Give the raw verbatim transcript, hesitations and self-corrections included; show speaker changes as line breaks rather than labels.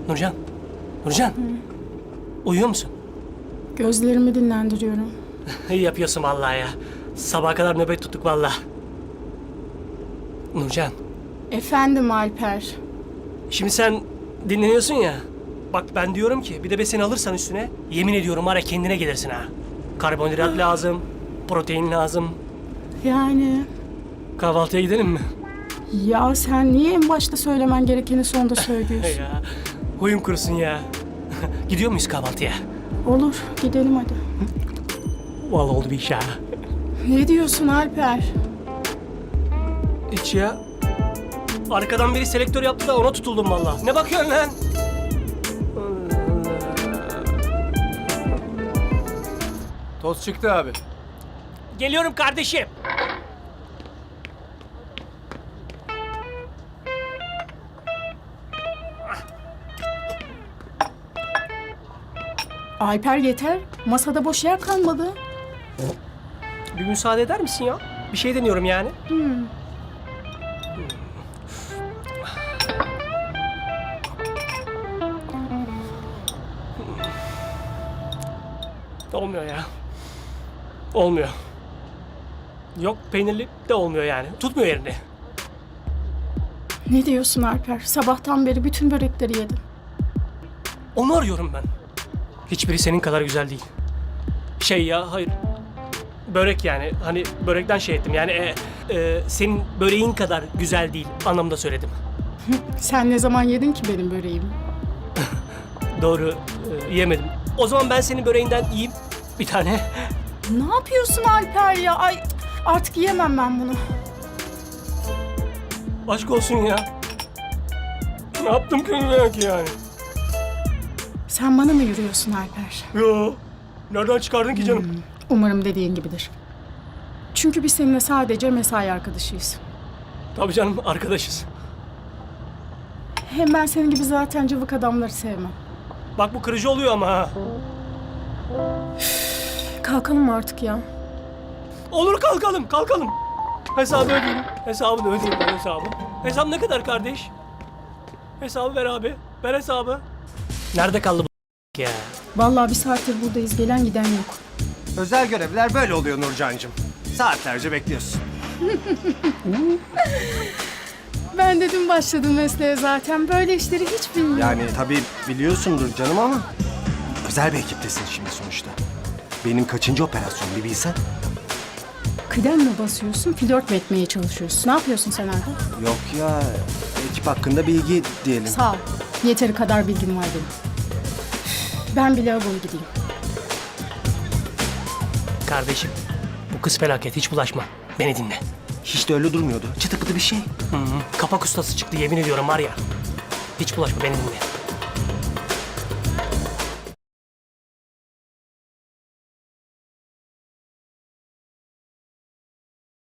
Nurcan. Nurcan. Hı. Uyuyor musun?
Gözlerimi dinlendiriyorum.
İyi yapıyorsun vallahi ya. Sabaha kadar nöbet tuttuk vallahi. Nurcan.
Efendim Alper.
Şimdi sen dinleniyorsun ya. Bak ben diyorum ki bir de besini alırsan üstüne yemin ediyorum var ya kendine gelirsin ha. Karbonhidrat lazım, protein lazım.
Yani
Kahvaltıya gidelim mi?
ya sen niye en başta söylemen gerekeni sonda söylüyorsun?
Ya huyum kurusun ya. Gidiyor muyuz kahvaltıya?
Olur, gidelim hadi.
Vallahi oldu bir iş ha.
Ne diyorsun Alper?
Hiç ya. Arkadan biri selektör yaptı da ona tutuldum vallahi. Ne bakıyorsun lan?
Toz çıktı abi.
Geliyorum kardeşim.
Alper yeter. Masada boş yer kalmadı.
Bir müsaade eder misin ya? Bir şey deniyorum yani.
Hmm.
Olmuyor ya. Olmuyor. Yok peynirli de olmuyor yani. Tutmuyor yerini.
Ne diyorsun Alper? Sabahtan beri bütün börekleri yedim.
Onu arıyorum ben. Hiçbiri senin kadar güzel değil. Şey ya hayır. Börek yani. Hani börekten şey ettim. Yani e, e, senin böreğin kadar güzel değil anlamda söyledim.
Sen ne zaman yedin ki benim böreğimi?
Doğru e, yemedim. O zaman ben senin böreğinden yiyeyim bir tane.
Ne yapıyorsun Alper ya? Ay artık yiyemem ben bunu.
Aşk olsun ya. Ne yaptım ki belki yani?
Sen bana mı yürüyorsun Alper?
Yo. Nereden çıkardın ki canım?
Umarım dediğin gibidir. Çünkü biz seninle sadece mesai arkadaşıyız.
Tabii canım arkadaşız.
Hem ben senin gibi zaten cıvık adamları sevmem.
Bak bu kırıcı oluyor ama ha.
Kalkalım artık ya.
Olur kalkalım kalkalım. Hesabı ödeyeyim. Hesabını ödeyeyim ben hesabı. Hesap ne kadar kardeş? Hesabı ver abi. Ver hesabı. Nerede kaldı bu ya?
Vallahi bir saattir buradayız. Gelen giden yok.
Özel görevler böyle oluyor Nurcancığım. Saatlerce bekliyorsun.
Ben de dün başladım mesleğe zaten. Böyle işleri hiç bilmiyorum.
Yani tabii biliyorsundur canım ama özel bir ekiptesin şimdi sonuçta. Benim kaçıncı operasyon bir bilsen.
Kıdem mi basıyorsun, flört mü etmeye çalışıyorsun? Ne yapıyorsun sen Erkan?
Yok ya, ekip hakkında bilgi diyelim.
Sağ ol. Yeteri kadar bilgim var benim. Ben bile lavaboya gideyim.
Kardeşim bu kız felaket hiç bulaşma. Beni dinle.
Hiç de öyle durmuyordu. Çıtı pıtı bir şey.
Hı hı. Kapak ustası çıktı yemin ediyorum var ya. Hiç bulaşma beni dinle.